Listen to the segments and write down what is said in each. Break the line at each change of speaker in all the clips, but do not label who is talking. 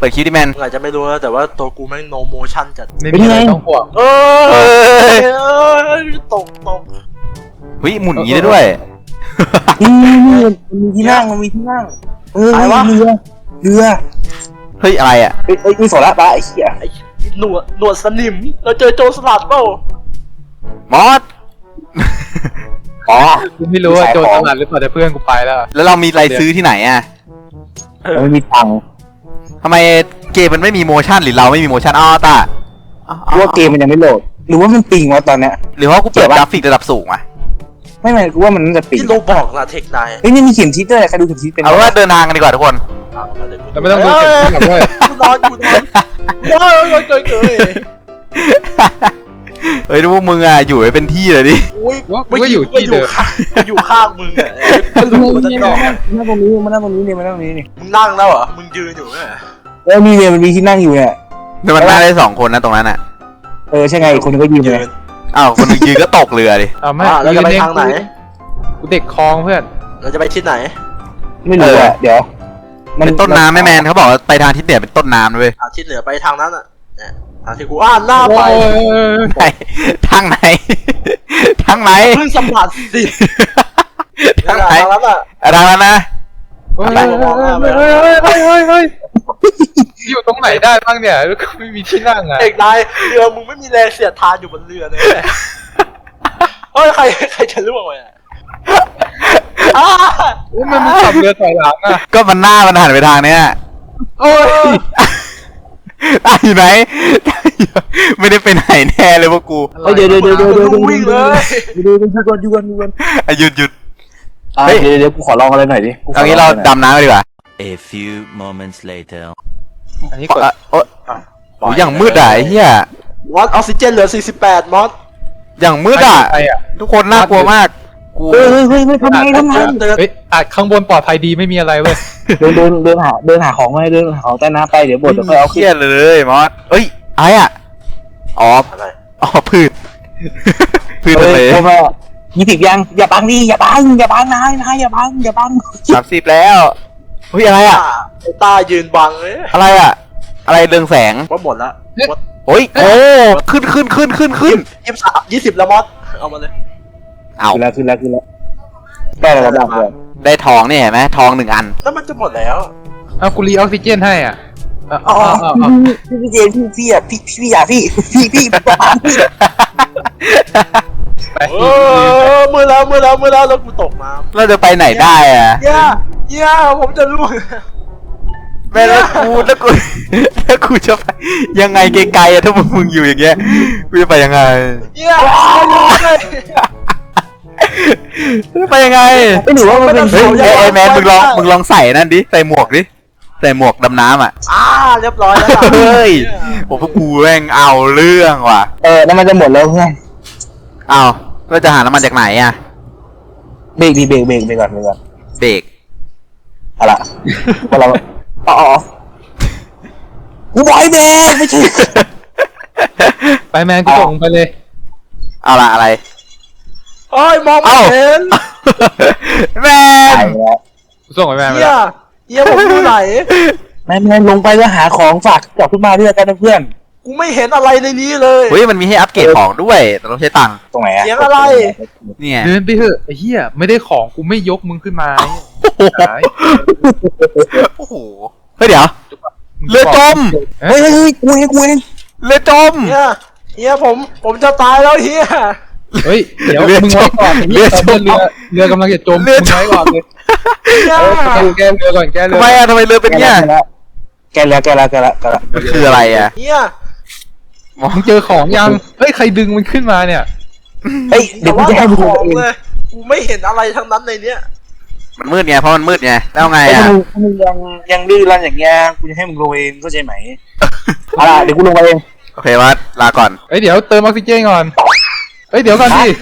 เปิดคลิปดิแมน
อาจจะไม่รู้นะแต่ว่าตัวกูแม่งโนโมชั่นจัด
ไม่มีอะไรต้องห่วง
ตก
เฮ้ยหมุนอย่างนี้ได้ด้วย
นี่มันมีที่นั่งเรือ
เฮ้ยอะไรอ่ะ
มีโซล่าปะไอ้เหี้ย
ไอ้หนวดสนิมเราเจอโจรสลัดเปล่าม
อส
อ๋อ
กูไม่รู้ว่าโจรสลัดหรือเปล่าแต่เพื่อนกูไปแล้ว
เรามีอะไรซื้อที่ไหนอ่ะ
ไม่มีตังค์
ทำไมเกมมันไม่มีโมชั่นหรือเราไม่มีโมชั่นอ้อตา
ว่าเกมมันยังไม่โหลดหรือว่ามันปิงวะตอนเนี้ย
หรือว่ากูเปิดกราฟิกระดับสูงอ่ะ
ไม่กูว่ามันจะปิง
ที่โลบอกละเทคนาย
เฮ้ยนี่มีเข็มทิศด้วยใครดูเข็มทิศเป็น
เอาว่าเดินทางกันดีกว่าทุกคน
แต่ไม่ต้องดูเข็มทิศหรอกด้วย
กูนอน
เฮ้ยดูพวกมึงอ่ะอยู่ให้เป็นที่เลยดิ
ไม่อยู่ที่เดิม
อยู่ข้างมึงอ่ะมันรู้มันจะนอน
นั่งตรงนี้มันนั่งตรงนี้นี่
มึงนั่งแล้วเหรอมึงยืนอยู่เนี่ย
มีเนี่ยมันมีที่นั่งอยู่เนี่ย
แต่มันนั่งได้2 คนนะตรงนั้นอ่ะ
ใช่ไงคนนึงก็ยืนเลย
อ้าวคนนึงยืนก็ตกเรือดิ
ไม่
เราจะไปทางไหน
กูเด็กคลองเพื่อน
เราจะไปทิศไหน
ไม่รู้อ่ะเดี๋ยว
เป็นต้นน้ำแมนเขาบอกไปทางทิศเหนือเป็นต้นน้ำเลย
ทิศเหนือไปทางนั้นอ่ะทางที่กูหน้าไป
ทางไหน
เพิ่งสัมผัสสิ
ทางไหน
แล้วอ่ะ
ทางนั้นนะ
อยู่ตรงไหนได้บ้างเนี่ยไม่มีที่นั่งอ่ะ
เอกนายเรือมึงไม่มีแรงเสียดทานอยู่บนเรือเลยเฮ้ยใครจะล่วงไป
มันขับเรือถอยหลังอ่ะ
ก็มันหน้ามันหันไปทางเนี้ย
โอ้ย
อยู่ไหนไม่ได้ไปไหนแน่เลยพวกกู
เดี๋ยว
วิ่งเลย
หยุดเดี๋ยวกูขอลองอะไรหน่อยดิ
ตอนนี้เราดำน้ำดีกว่า
A few moments later
อันนี้กด
โอ้ยอย่างมืดอ่ะไอ้เหี้ย
วัดออกซิเจนเหลือ48มอส
อย่างมืดอ่ะทุกคนน่ากลัวมากกู
เฮ้ยทำไม
ข้างบนปลอดภัยดีไม่มีอะไรเว้ย
เดินหาของมาเดินหาของใต้น้ำไปเดี๋ยวบดจะค่อยเอา
เครียดเลยมอสเอ้ยไอ้อ่ะพืชเลย
20ยังอย่าบังดิอย่าบังนายอย่าบัง
30แล้วเฮ้ยอะไรอ่ะ
ตายืนบังเลย
อะไรอ่ะอะไรเรืองแสง
ว่าหมดแล้ว
โอ้ยโอ้ขึ้น
20แล้วมอสเอามาเลย
เอาขึ้นแล้วได้แล้ว
ได้ทองนี่เห็นไหมทอง1 อัน
แล้วมันจะหมดแล้ว
เอากูรีออกซิเจนให้อ่ะ
พี่เจพี่อ่ะพี่อยากพี่
มือแล้วแล้วกูตกน้ำ
เราจะไปไหนได้อ่ะ
ผมจะรู้
แม่แล้วกูจะไปยังไงไกลๆอะถ้ามึงอยู่อย่างเงี้ยกูจะไปยังไงไปยังไง
ไม่หนูว่ามันเป็น
ไอ้แมนมึงลองใส่นั่นดิใส่หมวกดิใส่หมวกดำน้ำอ่ะ
เรียบร้อยแล้ว
เฮ้ยผมพวกกูแม่งเอาเรื่องว่ะ
น้ำมันจะหมดแล้วเพื่อน
เอาเราจะหาน้ำมันจากไหนอ่ะ
เบรกก่อน
เบรก
อะไรพอเรากูบอยเบรกไม่ใช่
ไปแมนกูส่งไปเลย
เอาละอะไร
โอ้ยมองไม่เห็น
แมน
กูส่งไปแมน
เฮียผมอยู่ไหน
แมนลงไปแล้วหาของฝากกลับขึ้นมาด้วยกันนะเพื่อน
กูไม่เห็นอะไรในนี้เลย
เฮ้ยมันมีให้อัปเกรดของด้วยแต่ต้องใช้ตังค์
ตรงไหนอะ
เสียงอะไร
เนี่ย
เดินไปเถอะไอ้เหี้ยไม่ได้ของกูไม่ยกมึงขึ้นมา
โอ้โหเฮ้ยเดี๋ยวเรือจม
เฮ้ยกูเอง
เรือจม
เฮียผมจะตายแล้วเฮีย
เฮ้ยเดี๋ยวมึงไว้ก่อนเรือกำลังจะจมมึงไว้ก่อนเลยแกเรือก่อนแกเรือ
ทำไมเรือเป็นเงี้ย
แกแล้ว
คืออะไรอ่ะ
เฮีย
มึงเจอของยังเฮ้ยใครดึงมันขึ้นมาเนี่ย
เฮ้ยเดี๋ยวกูจะให้มึงดูเอง
กูไม่เห็นอะไรทั้งนั้นในเนี้ย
มันมืดไงเพราะมันมืดไงแล้วไงอ่ะ
มึงยังดื้อรั้นอย่างเงี้ยกูจะให้มึงลงเองเข้าใจไหมเดี๋ยวกูลงไปเอง
โอเควัดลาก่อน
เฮ้ยเดี๋ยวเติมออกซิเจนก่อนเฮ้ยเดี๋ยวก่อนดิ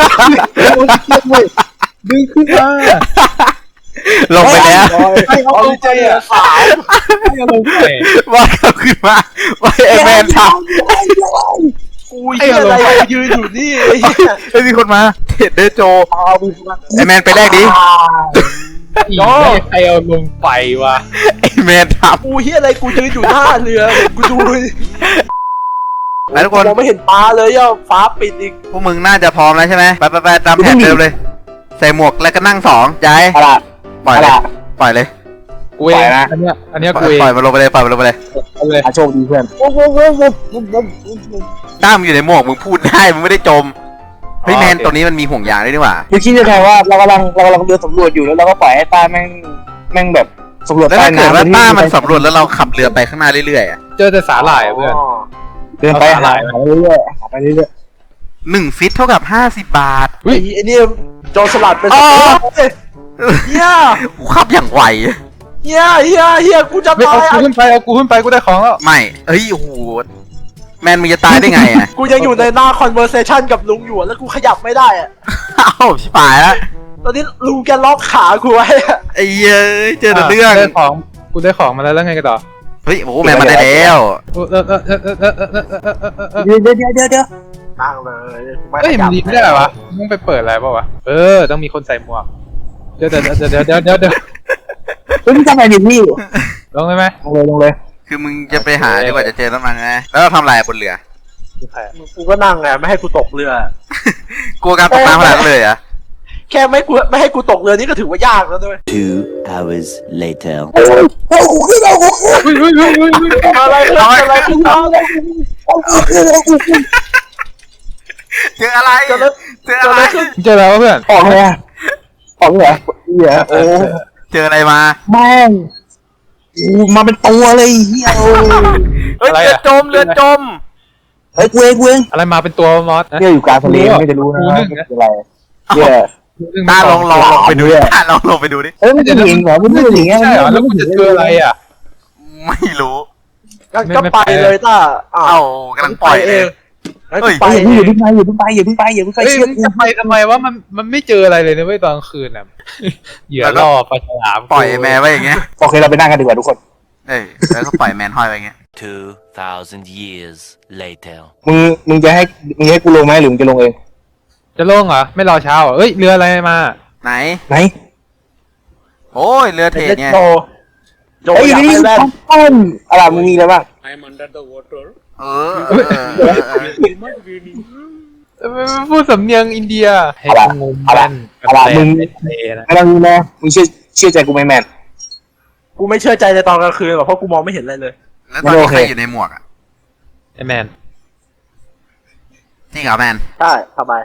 ดึงขึ้นมา
ลงไปแล้ว
ออกซิเจนสาย
ว่าเขาขึ้นมาว่าไอแมนท
ำกูอะไรยืนอยู่นี่
ไอ้มีคนมาเทรดเดอร์โจไอแมนไปแรกดิ
อีกใครเอาลงไปวะ
ไอ้แมนท
กูเฮียอะไรกูยืนอยู่หน้าเรือกูดู
ำแล้วทุกคน
มองไม่เห็นปลาเลยอ่ะฟ้าปิดอีก
พวกมึงน่าจะพร้อมแล้วใช่ไหมไปตามแผนเดิมเลย ใส่หมวกแล้วก็นั่งสองย้าย
เอาล่ะ
ปล่อยเลยปล่อยเลย
กูเอง
ปล่อยนะ
อันเนี้ย
ป
กูเอง
ล่อยมันลงไปเลยปล่อยมันลงไปเลย
เอาเลย
โชคดีเพื่อน
ต้ามึงอยู่ในหมวกมึงพูดได้มึงไม่ได้จมเฮ้ยแมนตรงนี้มันมีห่วงยางด้วยนี่หว่า
มึงคิดยังไงว่าเรากำลังเดินสำรวจอยู่แล้วเราก็ปล่อยให้ต้าแม่งแบบสำรวจ
แล้ว
ใต้
ถ้าเกิด
น้ำ
ว่าต้ามันสำรวจแล้วเราขับเรือไปข้างหน้าเรื่อยๆอ่ะ
เจอแต่สาหร่ายอะเพื่อน
เดินไปหาไปเรื่อยๆหาไปเรื่อย
1 ฟิตเท่ากับ50 บาท
ไอ้นี่โจรสลัดเป็น
อ๋อ
เฮีย
กูขับอย่างไว
เฮียกูจะ
ไม่
ตา
เอา
ย
กูขึ้นไปเอากูขึ้นไปกูได้ของแล้ว
ไม่เฮ้ยโอ้โหแมนมึงจะตายได้ไงอ่ะ
กูยังอยู่ในหน้า conversation กับลุงอยู่แล้วกูขยับไม่ได้อ่ะ
เอ้าชิบหายแล้ว
ตอนนี้ลุงแกล็อกขากูไว้อะ
ไอ้เย้ยเจอแต่เรื่อง
ได้ของกูได้ของมาแล้วแล้วไงกันต่อ
เฮ้ยโอ้โหแมนมาได้แล้ว
ๆเดี๋ยว
นั่งเลยไม่
เฮ้ย
ข
มั
ยั
น
บ
ดีไม่ได้เหรอวะมึงไปเปิดอะไรเปล่าวะต้องมีคนใส่หมวกเดี๋ยว
มึงทำไมดิพี่
ลงได้ไหม
ลงเลย
คือมึงจะไปหาดีกว่าจะเจอน้ำมันไงแล้วเราทำอะไรบนเรือ
กูก็นั่งไงไม่ให้กูตกเรือ
กลัวการตกน้ำขนาดนั้นเลยเหรอ่ะ
แค่ไม่ให้กูตกเรือนี่ก็ถือว่ายากแล้วด้วย
2 hours later.
อะไรขึ้นอะไร
เจออะไรเจออะไร
เจอแล้วเพื่อน
ออกเลยอ่ะออกเลยเหรอเหี้ยโอ้
เจออะไรมา
แม่งมาเป็นตัวเลยเฮีย
เฮ้ยเรือจม
เฮ้ยกูเอง
อะไรมาเป็นตัวมอส
เนี่ยอยู่กลางทะเลไม่จะรู้นะว่าคืออะไรเนี่ย
ตาลองไปดูตาลองไปดูดิ
เอ้ยมันจะเห็นเหรอมันไม่อย่างเงี้ย
ใช่เหรอแล้วกูจะเจออะไรอ่ะ
ไม่รู้
ก็ไปเลยต้า
เอ้ากำลังปล่อยเอง
เฮ้ย
ไปอย่าเพิ่งไปอย่าเพิ่งไปอย่าเพิ่งไปอย่าเพิ่งไป
เฮ้ย
เชื่อ
มึง
กู
จะไปทำไมวะมันไม่เจออะไรเลยนะเว้ยตอนกลางคืนอ่ะเหยื่อล่อปลาฉลาม
ปล่อยแมนไว้อย่างเงี้ย
โอเคเราไปนั่งกันดีกว่าทุกคน
เอ้ยแล้วก็ปล่อยแมนห้อยไว้อย่างเงี้ย
2,000 years later.
มึงจะให้กูลงไหมหรือมึงจะลงเอง
จะลงเหรอไม่รอเช้าเหรอเอ้ยเรืออะไรมา
ไหน
ไหน
โอ้ยเรือเทรดไง
โจ
เอ้ย
อยาก
นี่
ไปแลนด์
ต้นอะไรมึงมีอะไรบ้าง
เออ
พูดสำเนียงอินเดียให้กูงงกันนะ
อะไรมึงนะมึงเชื่อใจกูไหมแมน
กูไม่เชื่อใจในตอนกลางคืนหรอกเพราะกูมองไม่เห็นอะไรเลย
แล้วตอนนี้ใครอยู่ในหมวกอ่ะ
ไอแมน
จริงเหรอแมน
ใช่สบาย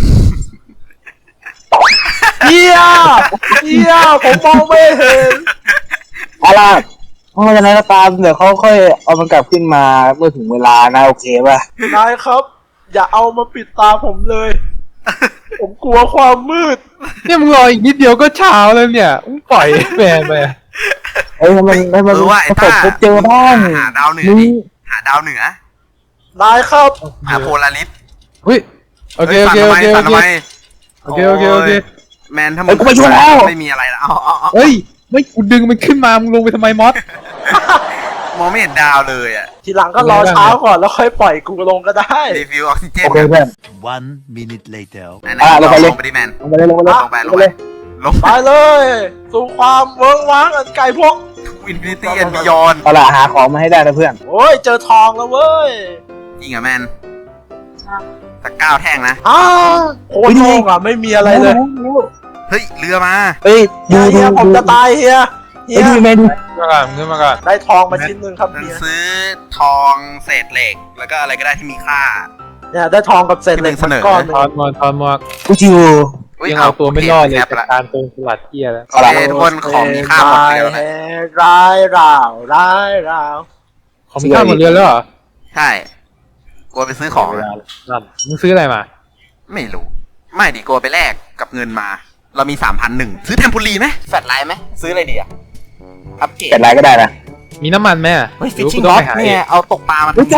เฮียผมมองไม่เห็น
อะไรเพราะฉะนั้นก็ตามเดี๋ยวเขาค่อยเอามันกลับขึ้นมาเมื่อถึงเวลานะโอเคป่ะ
นายครับ อย่าเอามาปิดตาผมเลย ผมกลัวความมืด
เนี่ยมึงรออีกนิดเดียวก็เช้าแล้วเนี่ยมึงปล่อยแมนไป
เอ้ยมัน
ว่าไอ้
ประส
ต้า
บพบเจอบ้าง
หาดาวเหนือ
มึง
ดิหาดาวเหนือน
ายครับ
หาโพลาริส
เฮ้ยโอเค
สั่นทำไม
โอเค
แมนถ้ามึ
เอ้ยกูไปช่วยแล้ว
ไม่มีอะไรแล้วเอา
เฮ้ยไม่กูดึงมันขึ้นมามึงลงไปทำไมมอส
มองไม่เห็นดาวเลยอ่ะ
ทีหลังก็รอเช้าก่อนแล้วค่อยปล่อยกูลงก็ได้
รีฟิวออกซิเจน
โอเคเพื่อน
1 minute later.
ไหน
ลงไปเลย
ลงไปดิแมน
ลงไปเลย
ลงไปลง
ไปเลย สู่ความเวิ้งว้างอันไกลพวก
อินฟินิตี้แอนด์บิยอน
เอาล่ะหาของมาให้ได้นะเพื่อน
โอ้ยเจอทองแล้วเว้ย
จริงเหรอแมนตะก้าวแท่งนะ
อ้าโคตรโล่งอ่ะไม่มีอะไรเลย
เฮ้ยเรือมา
เฮ้ยดู
เฮียผมจะตายเฮีย
ดูแมนดู
ขึ้นมาก่อน
ได้ทองมาชิ้นหนึ่งครับ
มัน
เฮีย
ซื้อทองเศษเหล็ก แล้วก็อะไรก็ได้ที่มีค่า
เนี่ยได้ทองกับเศษเหล็ก
ที่มึงเสนอ
ก้อนหนึ่ง
ทอนหมวก
กูจิว
ยังเอาตัวไม่รอดเลย
แคป
จาก
ละ
การโกงสลัดเที่ยแล้ว
โอเคทุกคนของมีค่าหมดเลยนะ
ร้ายราว
ของมีค่าหมดเรือแล้วเหรอ
ใช่กลัวไปซื้อของ
นั่นมึงซื้ออะไรมา
ไม่รู้ ไม่ดิกลัวไปแลกกับเงินมา เรามี 3,100ซื้อเทมโพูลีไหมแฟลชไลท์ไหมซื้ออะไรดีอะอัปเกรด
แต่ไรก็ได้นะ
มีน้ำมันไหม
เฮ้ยฟิชชิ่งบ็อกเนี่ยเอาตกปลามา
เฮ้ย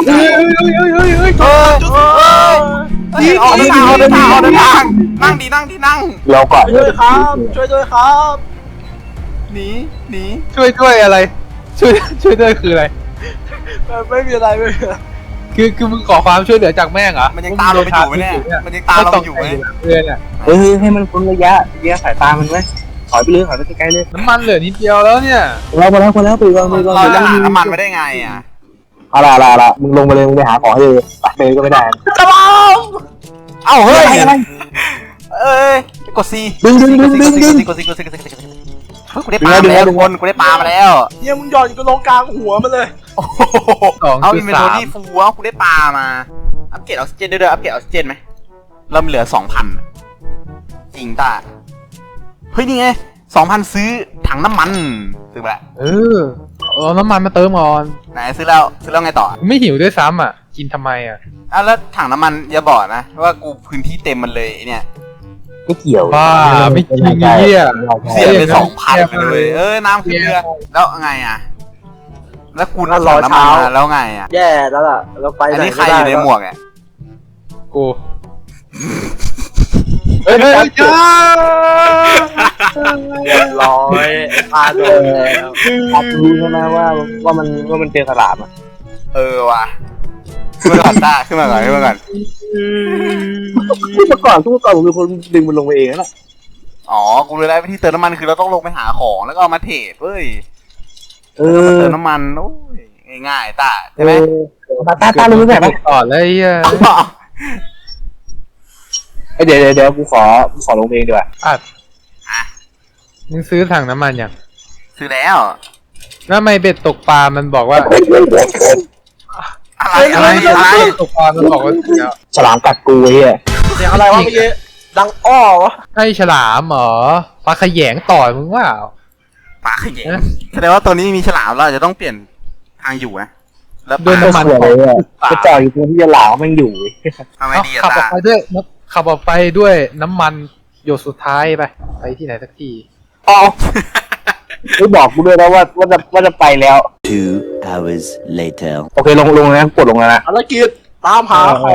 ออกเดินทางนั่งดีนั่ง
เราก่อน
ช่วยด้วยครับ ช่วยด้วยครับ
หนี
ช่วยอะไรช่วยด้วยคืออะไร
ไม่มีอะไรไม่มีอะไร
คือมึงขอความช่วยเหลือจากแม่งเหรอ
มันยังตามเราไปอยู่ไหมเนี่ยมันยังตามเราไปอยู่ไหม
เรือเนี่ย
เฮ้ยให้มันพ้นระยะสายตามันไว้ถอยไปเลยถอยไปไกลๆเลย
น้ำมันเหลือนิดเดียวแล้วเนี่ย
เราไปแล้วไปแล้วไปก่อนไปก่อน
เราจะหาน้ำมันไม่ได้ไงอ่ะ
เอาละมึงลงไปเลยมึงไปหาของให้เลยไปเลยก็ไม่ได้
จะลอง
เอ้าเฮ้ย
อะไร
เอ้ยกดซี
ดึง
กดซีกูได้ปลามาแล้วทุกคนกูได้ปลามาแล้ว
เฮียมึงหย่อนกูลงกลางหัวมันเลย
โอ้โหเอาอินเวนทอรี่ฟูเอากูได้ปลามาอัปเกรดออกซิเจนด้วยอัปเกรดออกซิเจนไหมเราเหลือ 2,000จริงตาเฮ้ยนี่ไง 2,000 ซื้อถังน้ำมันซื้อไปละ
เอาน้ำมันมาเติมก่อน
ไหนซื้อแล้วไงต่อ
ไม่หิวด้วยซ้ำอ่ะกินทำไมอ่ะ
แล้วถังน้ำมันอย่าบอกนะว่ากูพื้นที่เต็มมันเลยเนี่ย
ไม่เกี่ยว
บ้าไม่จริงไอ้เหี้ย
เสียไป 2,000เลยน้ำขึ้นเรือแล้วไงอ่ะแล้วกูถังน้ำมันมาแล้วไงอ่ะ
แย่แล้วล่ะเราไป
อัน
ไหน
นี้ใคร
ไม่
อยู่ใน
ได้
หมวกอ่ะ
กู
เฮ้ย
จ้า
เรียบร้อยปลาโดนแล้ว
อาจรู้ใช่ไหมว่ามันเจอฉลามอ่ะ
ว่ะขึ้นมาก่อนต้าขึ้นมาก่อน
เมื่อก่อนผมเป็นคนดึงมันลงไปเองนะ
อ๋อกูรู้แล้ววิธีเติมน้ำมันคือเราต้องลงไปหาของแล้วก็เอามาเทรดเว้ย
เอ
เติมน้ำมันโอ้ยง่ายๆต้าใช่ไหม
ตารู้ไหม
ก่อนเลยไอ้เหี้ย
เดี๋ยวกูขอลงเองดีกว่า
อัดมึงซื้อถังน้ำมันยัง
ซื้อแล้ว
แล้วทำไมเบ็ดตกปลามันบอกว่า
อะไร
ตกปลามันบอกว่าเดี๋ยว
ฉลามกัดกูไอ้เหี้ย
เสียงอะไรวะเมื่อกี้ดังอ้อวะ
ให้ฉลามเหรอปลาขยงต่อยมึงว่า
ปลาขยงแสดงว่าตัวนี้มีฉลามเราจะต้องเปลี่ยนทางอยู่นะแล้ว
โดนน้ำมัน
สวยเลยอ่ะจะจ่อยอยู่ตรงที่ฉลามมันอยู่
ทำไมดีอะ
ขับออ
ตาก
ไปด้วยขับออกไปด้วยน้ำมันหยดสุดท้ายไปที่ไหนสักที
อ๋อไม่บอกกูด้วยนะว่าจะไปแล้ว
2 hours later.
โอเคลงนะกดลงแล้วนะ
ภารกิจตามหาของ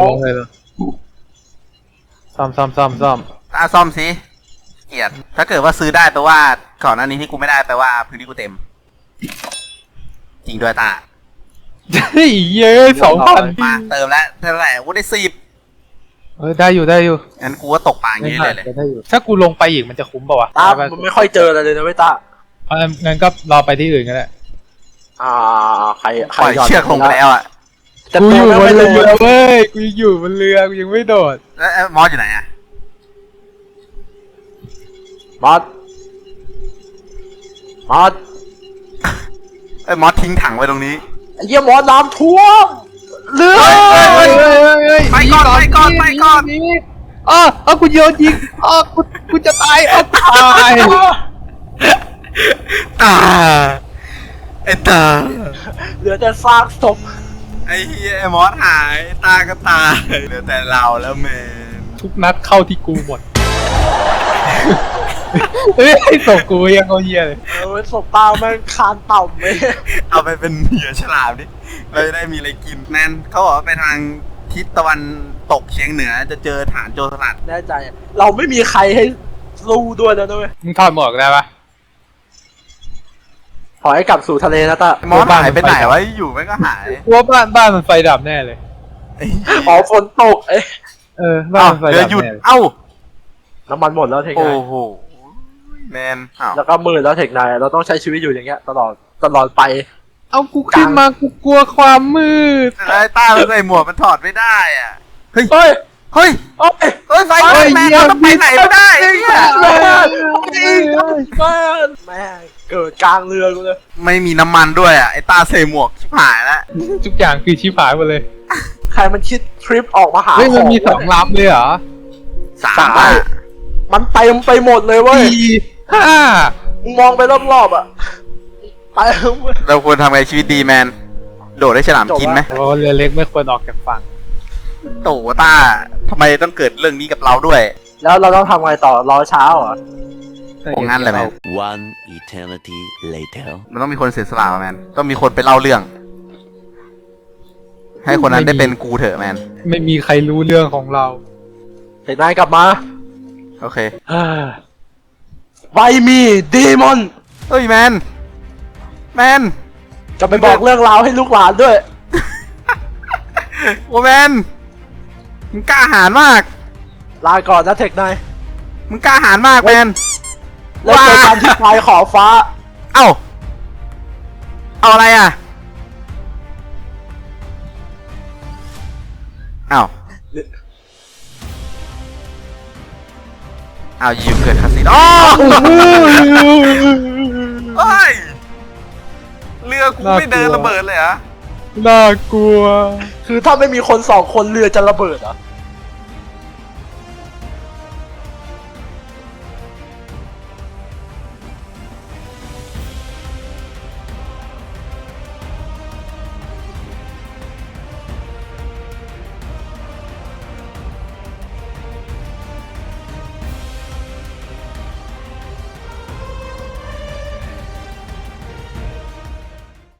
ซ่อม
ตาซ่อมสิเกลียดถ้าเกิดว่าซื้อได้แปลว่าก่อนหน้านี้ที่กูไม่ได้แปลว่าพื้นที่กูเต็ม จริงด้วยตา
เฮ้ยเย้ย2,000
มาเติมแล้วเท่าไหร่กูได้10
ได้อยู่
งั้นกูก็ตกปลาอย่างนี้เลย
ได้อยู่ถ้ากูลงไปอีกมันจะคุ้มป่าวะ
ตามันไม่ค่อยเจออะไรเลยนะเว้ยตา
งั้นก็รอไปที่อื่นก็ได้
ใคร
ปล่อยเชือกลงไปแล้วอ่ะ
จะ
กู
โด
อยู่
น
บ
ไม่
น
โด
เรือน เว้ยกูอยู่บนเรือกูยังไม่โดด
แล้วมอสอยู่ไหนอ่ะ
มอส
มอสทิ้งถังไว้ตรงนี้
ไอ้เหี้ยมอสน้ำท่วมเรือ
ไปก่อน
นี่กูโยนยิงกูจะตายตาย
ตาไอ้ตา
เหลือแต่ซากศพ
ไอ้เฮียไอ้มอสหายตาก็ตายเหลือแต่เราแล้วแมน
ทุกนัดเข้าที่กูหมดเฮ้ยไอ้ศพกูยังเอาเหี้ยเลย
ศพตาแม่งคานต่ำเลย
เอาไปเป็นเหยื่อฉลามดิเราจะได้มีอะไรกินแมนเขาบอกว่าไปทางทิศตะวันตกเฉียงเหนือจะเจอฐานโจรสลัด
แน่ใจเราไม่มีใครให้สู้ด้วยแล้วนะเว้ย
มึงถอดหมวกได้ปะ
ขอให้กลับสู่ทะเลนะตา
มอสหายไปไหนวะอยู่มันก็หาย
กูว่าบ้านมันไฟดับแน่เลย
อ๋อฝนตก
บ้าน
เอ้า
มันไฟ
เรือ
ดับ
หยุด
แน่เลย
เอ้า
น้ำมันหมดแล้วเทค
โอ้
นาย
โหแมนอ้าว
แล้วก็มืดแล้วเทคนายเราต้องใช้ชีวิตอยู่อย่างเงี้ยตลอดไป
เอากูขึ้นมากูกลัวความมืด
ไอ้ต้ามันใส่หมวกมันถอดไม่ได้อ่ะเฮ้ย
เฮ้ย
เฮ้ย
เฮ้ย
เฮ้ยไฟไหม้แมนเราต้องไปไหนไม่ได้ไอ้เหี้ย
แม่เกิดกลางเรือกูเลย
ไม่มีน้ำมันด้วยอ่ะไอ้ตาใส่หมวกชิบหายแล้ว
ทุกอย่างคือชิบหายหมดเลย
ใครมันคิดทริปออกมาหา
เฮ้ยมันมี
ข
2 ลำเลยเหรอ
3อ่ะ
มันเต็มไปหมดเลยเว้ย
4 5
มึงมองไปรอบๆอ่ะเต็ม
เราควรทำไงชีวิตดีแมนโดดให้ฉลามกินไหม
โอ้เรือเล็กไม่ควรออกจากฝั่ง
โตต้าทำไมต้องเกิดเรื่องนี้กับเราด้วย
แล้วเราต้องทำไงต่อรอเช้าเหรอ
โอ้งั้นเลยแมน
One eternity later.
มันต้องมีคนเสียสละแมนต้องมีคนไปเล่าเรื่อง ให้คนนั้นได้เป็นกูเถอะแมน
ไม่มีใครรู้เรื่องของเรา
เห็นนายกลับมา
โอเค
ไวมีดีมอน
เฮ้ยแมน
จะไปบอกเรื่องราวให้ลูกหลานด้วย
โอ้แมนมึงกล้าหาญมาก
ลาก่อนนะเทคนาย
มึงกล้าหาญมากแมน
แล้วเจอกันที่ปลายขอบฟ้า
เอาอะไรอ่ะเอายิวเกิดคาสิโนอ๋อเฮ้ยเรือกูไม่เดินระเบิดเลยเหรอ
น่ากลัว
คือถ้าไม่มีคน2 คนเรือจะระเบิดเหรอ